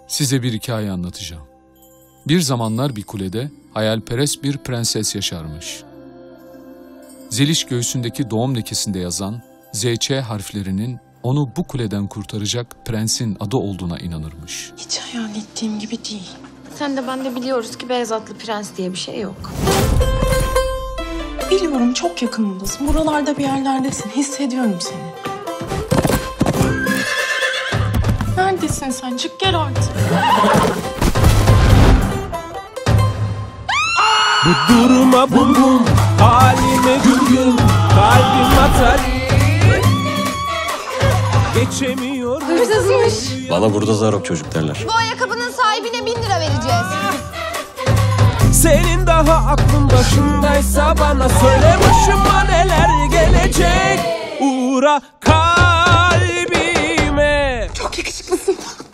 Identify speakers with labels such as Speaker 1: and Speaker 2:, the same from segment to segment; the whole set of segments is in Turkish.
Speaker 1: Size bir hikaye anlatacağım. Bir zamanlar bir kulede hayalperest bir prenses yaşarmış. Zeliş göğsündeki doğum lekesinde yazan ZÇ harflerinin onu bu kuleden kurtaracak prensin adı olduğuna inanırmış.
Speaker 2: Hiç hayal ettiğim gibi değil.
Speaker 3: Sen de ben de biliyoruz ki beyaz atlı prens diye bir şey yok.
Speaker 2: Biliyorum, çok yakınımdasın. Buralarda bir yerlerdesin. Hissediyorum seni. Neredesin sen? Çık gel artık.
Speaker 4: Bu duruma bum bum, halime güm güm, kalbim atar. Geçemiyorum.
Speaker 3: Hırsızmış.
Speaker 5: Bana burada zarok çocuk derler.
Speaker 3: Bu ayakkabının sahibine 1000 lira vereceğiz.
Speaker 4: Senin daha aklın başındaysa bana söyle, başıma neler gelecek. Uğra kalbime.
Speaker 2: Çok yakışıklısın.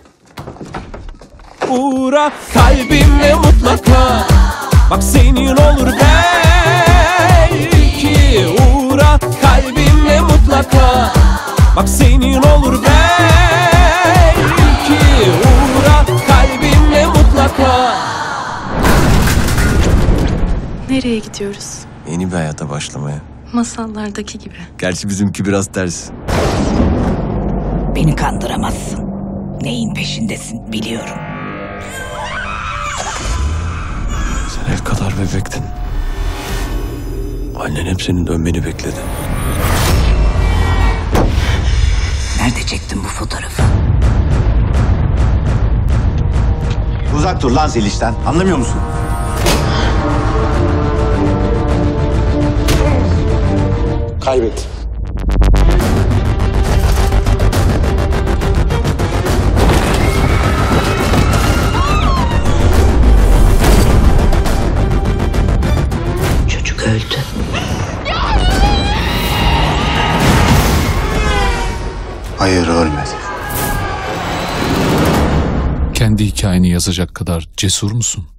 Speaker 4: Uğra kalbime mutlaka. Bak senin olur belki. Uğra kalbime mutlaka. Bak senin olur belki. Uğra kalbime mutlaka.
Speaker 2: Nereye gidiyoruz?
Speaker 5: Yeni bir hayata başlamaya.
Speaker 2: Masallardaki gibi.
Speaker 5: Gerçi bizimki biraz ters.
Speaker 6: Beni kandıramazsın. Neyin peşindesin biliyorum.
Speaker 5: Sen el kadar bebektin. Annen hep senin dönmeni bekledi.
Speaker 6: Nerede çektin bu fotoğrafı?
Speaker 7: Uzak dur lan Zeliş'ten. Anlamıyor musun? Kaybet.
Speaker 6: Çocuk öldü.
Speaker 7: Hayır, ölmedi.
Speaker 1: Kendi hikayeni yazacak kadar cesur musun?